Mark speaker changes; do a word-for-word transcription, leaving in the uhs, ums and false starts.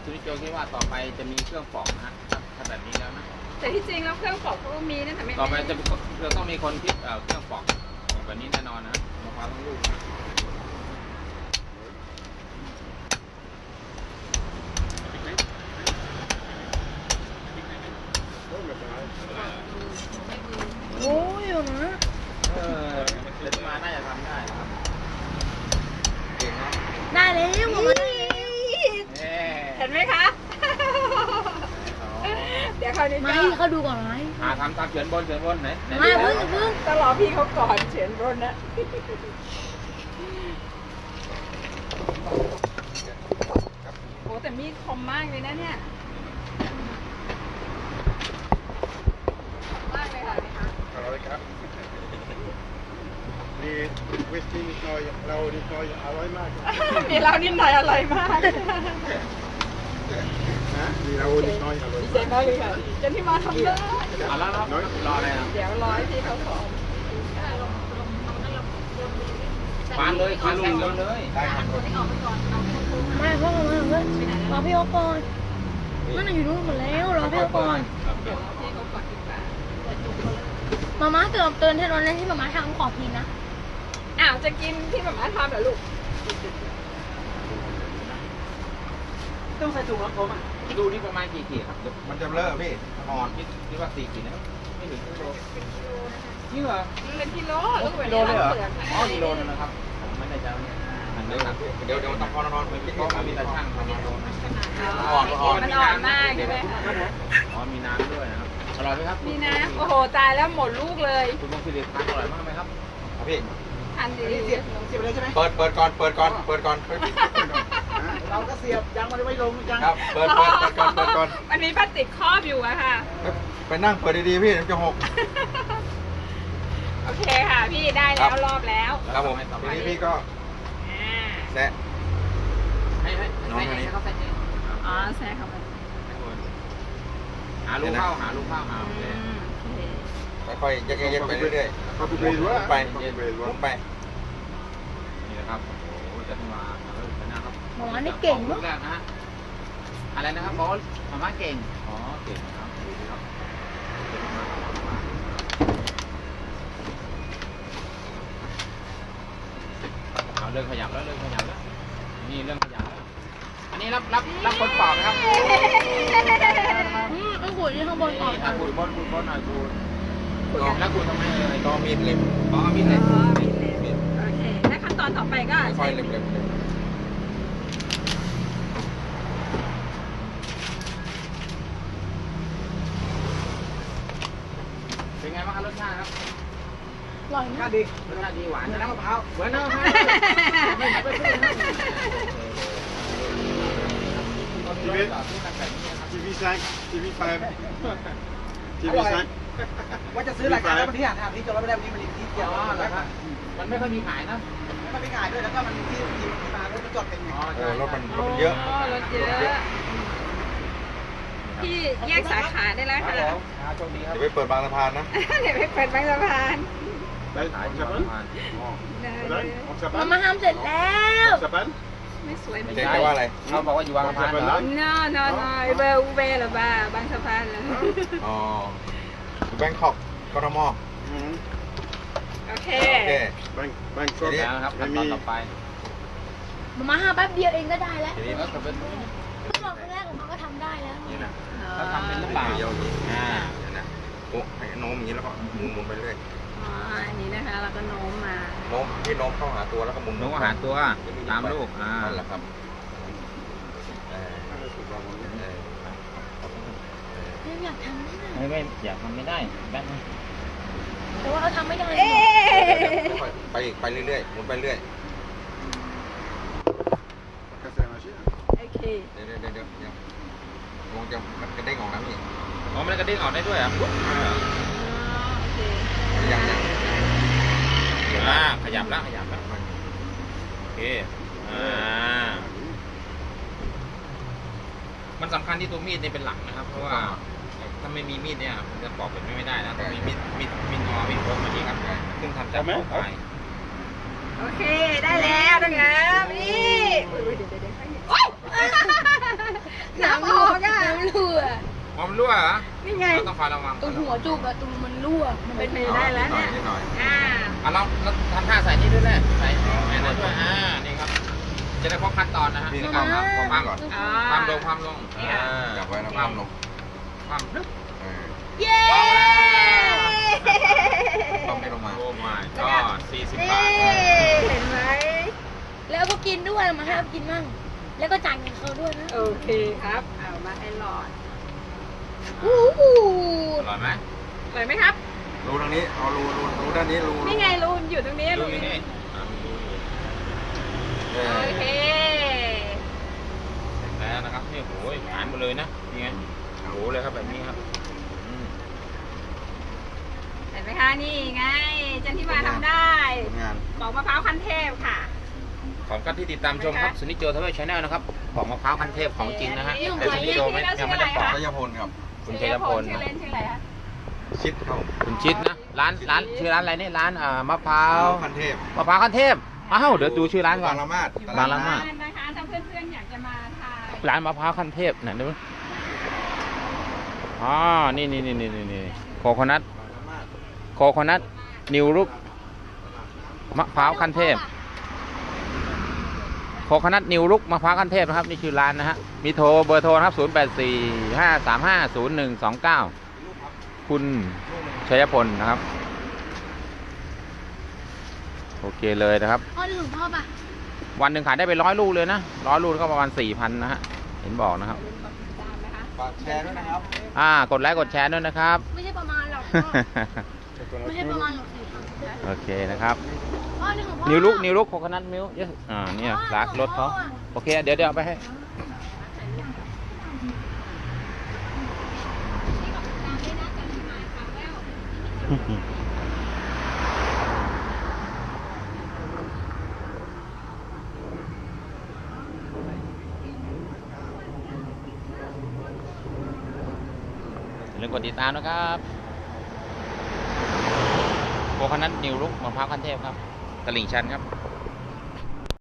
Speaker 1: คุณนิโจคิดว่าต่อไปจะมีเครื่องปอกนะถ้าแบบนี้แล้วนะ
Speaker 2: แต่ที่จริงแล้วเครื่องปอกเขาก็มีนะแต่ไม่
Speaker 1: ต่อไปจะเราต้องมีคนคิดเครื่องปอกแบบนี้แน่นอนนะมะพร้าวทั้งลูกนะ
Speaker 3: โอ้ยอยู่นะ
Speaker 1: เออเดี๋ยวมาน่าจะทำได้ครับเก่งเนาะ
Speaker 3: ได้แล้วผมมาได้แล้ว
Speaker 2: เห็นไหมคะเดี๋ยวคราวนี้
Speaker 3: ไม่เขาดูก่อนไหม
Speaker 1: อ่าทำตามเขียนบนเขียนบนไหน
Speaker 3: ไม่เพิ่งเพิ่ง
Speaker 2: ต้องรอพี่เขาก่อนเขียนบนนะโอ้แต่มีดคมมากเลยนะเนี่ยมากเลยค่ะ
Speaker 4: อร่อยครับมีวิสกี้นิดหน่อยเรานิดหน่อยอร่อยมาก
Speaker 2: มีเรานิดหน่อยอร่อยมาก
Speaker 4: มีเรานิดหน่อยอร่อย
Speaker 2: ดีใจมากเลยค่ะเจนที่มาทำได้
Speaker 1: เอาแล้วรออะไรอ่ะ
Speaker 2: เดี๋ยวรอให้พี่เขาสอน
Speaker 1: ฟานเลยฟานลงเลย
Speaker 3: ไม่พ่อมาเพื่อนรอพี่เขาก่อนนั่นอยู่นู่นหมดแล้วรอพี่เขาก่อนมาม่าเกือบเตือนที่ตอนนั้นที่มาม่าทำขอกินนะ
Speaker 2: อ้าวจะกินที่มาม่าทำเหรอลูก
Speaker 1: ต้องใส่ถุงแล้วผมอ่ะดูนี่ประมาณกี่ขีดครับ
Speaker 4: มันจะเลอะพี่
Speaker 1: อ่อนคิดว่าสี่ขีดนะครับไม่ถึงกิโลนี่เหรอ
Speaker 2: เป็นกิโล
Speaker 1: กิโลเลยเหรออ๋อกิโลนึงนะครับผมไม่ได้จะเนี่ยเดี๋ยวเดี๋ยวต้องพอนอนไปพี่ก็มีตาช่างทำมาโดน
Speaker 2: อ่อนอ่อนมันอ่อนมากใช่ไหม
Speaker 1: อ๋อมีน้ำด้วยนะครับอร่อยไหมครับ
Speaker 2: มีน้ำโอ้โหตายแล้วหมดลูกเลย
Speaker 1: คุณต้องสิริทานอร่อยมากไหมครับ
Speaker 4: พี่
Speaker 2: ทานดี
Speaker 1: เสียบเสียบเลยใช่ไหม
Speaker 4: เปิดเปิดก่อนเปิดก่อนเปิดก่อน
Speaker 1: เราก็เสียบยังมันไม่ลงจัง
Speaker 4: ครับเปิดเปิดเปิดก่อนเปิดก่อน
Speaker 2: มันมีพลาสติกครอบอยู่อะค่ะ
Speaker 4: ไปนั่งเปิดดีๆพี่มันจะหก
Speaker 2: โอเคค่ะพี่ได้แล้วรอบแล้ว
Speaker 4: ครับผมทีนี้พี่ก็แซะ
Speaker 1: ให้ให้น้องคนนี้เขาใส่เอง
Speaker 2: อ๋อแซะเข้าไป
Speaker 1: หาลูกเข้าหาลูกเข้าหา
Speaker 4: ค่อยๆยักๆไปเรื่อยๆไปไปไป
Speaker 1: นี่นะครับโอ้โหจะมาเออนะครับ
Speaker 3: หมอนี่เก่งมาก
Speaker 1: นะฮะอะไรนะครับบอสมาม่าเก่งอ๋อเก่งครับดูดิครับเอาเรื่องขยับแล้วเรื่องขยับแล้วนี่เรื่องขยับแล้วอันนี้รับรับรับคนปอกนะครับ
Speaker 3: อืมต้องขูดที่ข้างบนก่อน
Speaker 1: ขูดบนขูดบนหน่อยขูดแล้วขูดทำไมเอ่ย
Speaker 4: ก็มีดเล็ม
Speaker 1: อ๋อมีดเล็ม
Speaker 2: อ๋อมีดเล็มโอเคแล้วขั้นตอนต่อไปก็
Speaker 4: ค่อยเล็มเล็ม
Speaker 1: เป็นไงบ้างครับรสชาติครับ
Speaker 3: อร่อยมาก
Speaker 1: ดีรสชาติดีหวานน้ำมะพร้าวหวานน้ำมะพร้าวไม่เหมือนไปซื้อ
Speaker 4: ทีวีทีวีแซงทีวีไฟทีวีแซง
Speaker 5: ว่าจะซื้อรายการแล้ววันที่หาทางที่จอดรถไม่ได้วันนี้มันอีกที่เดียว
Speaker 1: นะครับมันไม่ค่อยมีขายนะ
Speaker 5: ไม่ค่อยมีขายด้วยแล้วก็มันที่ที่มารถมันจอดเป็น
Speaker 4: อ๋อรถมันรถมันเยอะ
Speaker 2: รถเยอะพี่แยกสาขาได้แล้วค่ะเ
Speaker 4: ดี๋ยวไปเปิดบางสะพานนะ
Speaker 2: เดี๋ยวไปเปิดบางสะพาน
Speaker 3: มามาทำเสร็จแล้ว
Speaker 2: ไม่สวยไม่
Speaker 4: ใช่ว่าอะไร
Speaker 1: เขาบอกว่าอยู่บางสะพานเหรอ
Speaker 2: no no no เบลเบลหรือบ้าบางสะพานเหรอ
Speaker 4: อ๋อแบงคอกกทม
Speaker 2: โอเค
Speaker 4: แบงแบงคอก
Speaker 1: นะครับขั้นตอนต่อไป
Speaker 3: มามาห้าแป๊บเดียวเองก็ได้แล้ว
Speaker 1: ทีนี้ก็เป็น
Speaker 3: ขั้นตอนแรกของเขาก็ทำได้แล้ว
Speaker 1: นี่นะเขาทำเป็นหรือเปล่าอ่า
Speaker 4: นะโอ้ให้โน้มอย่างนี้แล้วก็หมุนหมุนไปเรื่อย
Speaker 2: อ๋ออันนี้นะคะเราก็โน้มมา
Speaker 4: โน้มให้โน้มเข้าหาตัวแล้วก็หมุน
Speaker 1: โน้มหาตัวตามลูกอ่า
Speaker 4: นั่นแหละครับ
Speaker 3: อยากทำ
Speaker 1: ไม่ไม่อยากทำไม่ได้แป๊บนึง
Speaker 3: แต่ว่าเขาทำไม่ได้
Speaker 4: ไปอีกไปเรื่อยๆหมุนไปเรื่อย
Speaker 2: โอเค
Speaker 4: เดี๋ยวเดี๋ยวเดี๋ยวเดี๋ยวมองจะมันกระเด้งออกนะพี่
Speaker 1: อ๋อมันกระเด้งออกได้ด้วยอ่ะ
Speaker 2: โอเค
Speaker 4: ยังยัง
Speaker 1: อ่าขยับแล้วขยับแล้วโอเคอ่ามันสำคัญที่ตัวมีดนี่เป็นหลักนะครับเพราะว่าถ้าไม่มีมีดเนี่ยมันจะปอกเป็นไม่ได้นะต้องมีมีดมีดมีดงอมีดโค้งแบบนี้ครับซึ่งทำจากไม้ไป
Speaker 2: โอเคได้แล้วนะนี่โอ้ยน
Speaker 1: อมรั่วเหรอ
Speaker 3: นี่ไง
Speaker 1: เราต้องคอยระวัง
Speaker 3: ตรงหัวจุกอะตรงมันรั่วมัน
Speaker 2: เป็
Speaker 3: เป็น น
Speaker 2: ไปได้แล้วเนี่ย
Speaker 4: นิดหน่อย
Speaker 2: อ่า
Speaker 1: อ่ะเราเราทำท่าใส่นี่ด้วยแหละใส่แม่นั่นด้วยอ่านี่ครับจะได้ครบขั้นตอนนะฮะ
Speaker 4: พี่
Speaker 1: นี่
Speaker 4: ค
Speaker 1: ก็
Speaker 4: รับ
Speaker 1: ความความ
Speaker 4: ก่อน
Speaker 2: อ่า
Speaker 1: ความลงความลง
Speaker 2: นี่ค่ะ
Speaker 1: อ่า
Speaker 4: จับไว้นะ
Speaker 1: ความลงความลึก
Speaker 4: เออ
Speaker 3: เย้
Speaker 4: ต้องไม่ลงมา
Speaker 1: โอ้ my ก็สี่สิบบาท
Speaker 3: เห็นไหมแล้วก็กินด้วยมาให้เขากินมั่งแล้วก็จ่ายเงินเขาด้วยนะ
Speaker 2: โอเคครับ เอามาให้หลอด
Speaker 3: อู้หู
Speaker 1: อร่อยไหม
Speaker 2: เลยไหมครับ
Speaker 4: รูทางนี้ เอารูรูรูด้านนี้รู
Speaker 2: นี่ไงรูนอยู่ตรงนี้
Speaker 1: ดู
Speaker 2: รูน
Speaker 1: นี่นี่อ่ะดูอยู่
Speaker 4: เอ
Speaker 2: โอ
Speaker 4: อ
Speaker 2: เค
Speaker 1: เสร็จแล้วนะครับนี่โอ้ยหายหมดเลยนะนี่ไงโอ้โหเลยครับแบบนี้ครับอืม
Speaker 2: เห็นไหมคะนี่ไงจันทิมาทำได้
Speaker 4: ผลงาน
Speaker 2: ปอกมะพร้าวคั้นเทพค่ะ
Speaker 1: ขอบคุณที่ติดตามชมครับสุนิจโจทวีชาแนลนะครับของมะพร้าวคันเทพของจริงนะฮะ
Speaker 2: นี่ของ
Speaker 1: แต่สุนิจโจไม่
Speaker 2: จริง
Speaker 1: ยังไม่ได้ปอก
Speaker 4: รัยพลครับ
Speaker 1: คุณชัยพล
Speaker 2: ชื่อเล่นชื่ออะไรคะ
Speaker 4: ชิดครับ
Speaker 1: คุณชิดนะร้านร้านชื่อร้านอะไรนี่ร้านอ่ามะพร้าว
Speaker 4: คันเทพ
Speaker 1: มะพร้าวคันเทพอ้าวเดี๋ยวดูชื่อร้านก่อน
Speaker 4: บางละมาด
Speaker 1: บางละมาด
Speaker 2: นะคะถ้าเพื่อนๆอยากจะมาทาน
Speaker 1: ร้านมะพร้าวคันเทพไหนดูอ๋อนี่นี่นี่นี่นี่นี่โคโคนัทโคโคนัทนิวรุกมะพร้าวคันเทพโคโคนัทนิวรุกมะพร้าวคันเทพนะครับนี่คือร้านนะฮะมีโทรเบอร์โทรนะครับศูนย์แปดสี่ ห้าสามห้า ศูนย์หนึ่งสองเก้าคุณชัยพลนะครับโอเคเลยนะครับ
Speaker 3: พ่อนึกถึงพ่อป่ะ
Speaker 1: วันหนึ่งขายได้ไปร้อยลูกเลยนะร้อยลูกก็ประมาณสี่พันนะฮะเห็นบอกนะครับ
Speaker 4: ฝากแชร์ด้วยนะครับ
Speaker 1: อ่ากดไลค์กดแชร์ด้วยนะครับ
Speaker 3: ไม่ใช่ประมาณหรอกพ่อไม่ใช่ประมาณหรอกสิครับ
Speaker 1: โอเคนะครับ
Speaker 3: พ่อนึกถึงพ่อ
Speaker 1: นิวลุกนิวลุกโคโคนัทมิลค์อ่าเนี่ยร้านรถเขาโอเคเดี๋ยวเดี๋ยวเอาไปให้อย่าลืมกดติดตามนะครับโคโคนัทนิวลุกมะพร้าวขั้นเทพครับตลิ่งชันครับ